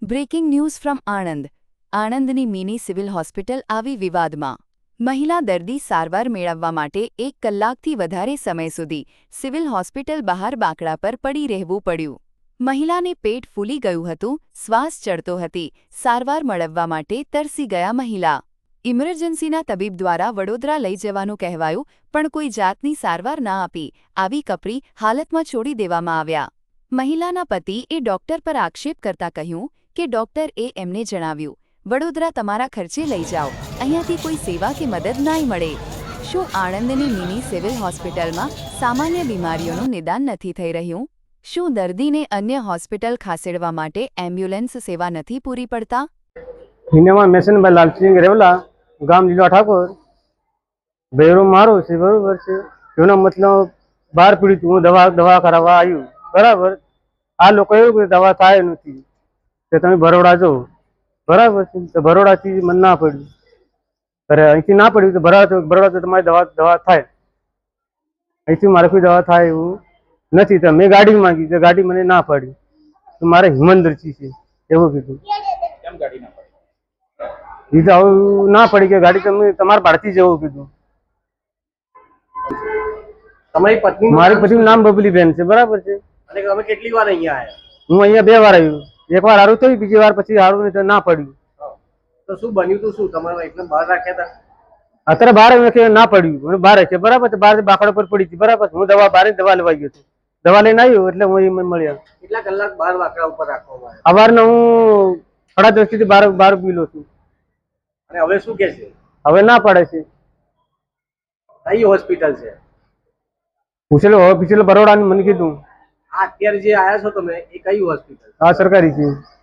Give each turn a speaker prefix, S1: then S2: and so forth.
S1: Breaking news from Anand. આણંદની mini civil hospital આવી વિવાદમાં. મહિલા દર્દી સારવાર મેળવવા માટે 1 કલાકથી વધારે સમય સુધી સિવિલ હોસ્પિટલ બહાર બાંકડા પર પડી રહેવું પડ્યું. મહિલાને પેટ ફૂલી ગયું હતું, શ્વાસ ચડતો હતી, સારવાર મેળવવા માટે તરસી ગયા મહિલા. ઇમરજન્સીના તબીબ દ્વારા વડોદરા લઈ જવાનું કહેવાયું, પણ કોઈ જાતની સારવાર ના આપી આવી કપરી હાલતમાં છોડી દેવામાં આવ્યા. મહિલાના પતિએ ડોક્ટર પર આક્ષેપ કરતા કહ્યું કે ડોક્ટરે એમને જણાવ્યું, વડોદરા તમારા ખર્ચે લઈ જાઓ, અહીંયાથી કોઈ સેવા કે મદદ નહીં મળે. શું આણંદની મિની સિવિલ હોસ્પિટલમાં સામાન્ય બીમારીઓનું નિદાન નથી થઈ રહ્યું? શું દર્દીને અન્ય હોસ્પિટલ ખસેડવા માટે એમ્બ્યુલન્સ સેવા નથી પૂરી પડતા?
S2: हिनेमा मेसन भाई लालसिंह रेवला गाम लीला ठाकुर बेरो मारो से बरोबर છે એનો મતલબ બાર પીડિત હું દવા કરાવવા આવ્યું બરાબર. આ લોકો એવું કે દવા થાય નથી કે તમે બરોડા જો બરાબર છે. તો બરોડાથી મને ના પડ્યું, અરે અહીંથી ના પડ્યું તો બરોડા તો તમારી દવા થાય, અહીંથી મારે કોઈ દવા થાય એવું નથી. તો મેં ગાડી માંગી તો ગાડી મને ના પાડી, તો મારે હિમંદરજી છે એવું કીધું.
S3: કેમ ગાડી ના
S2: એ તો આવું ના પડી કે ગાડી તમે તમારે પાડતી જવું કીધું.
S3: તમારી પત્ની
S2: મારી પત્નીનું નામ બબલીબેન છે બરાબર છે.
S3: અને તમે કેટલી વાર અહીંયા આવ્યા?
S2: હું અહીંયા 2 વાર આવ્યું, એક વાર સારું થયું, બીજી વાર પછી સારું નહીં તો ના પડ્યું.
S3: તો શું બન્યું તું? શું તમારે એકદમ બહાર રાખ્યા હતા?
S2: અત્યારે બહાર ના પડ્યું, મને બહાર છે બરાબર. બહાર બાકડા પર પડી હતી બરાબર. હું દવા લેવા ગયો હતો, દવા લઈને આવ્યો એટલે હું મળ્યા.
S3: કેટલા કલાક બહાર વાકડા ઉપર રાખવામાં આવ્યા?
S2: સવારના હું 10:30 થી 12 પીલો છું.
S3: અને હવે શું કે છે?
S2: હવે ના પડે છે.
S3: કઈ હોસ્પિટલ છે?
S2: પૂછેલો બરોડાની મને કીધું.
S3: આ અત્યારે જે આયા છો તમે એ કઈ હોસ્પિટલ?
S2: હા સરકારી છે.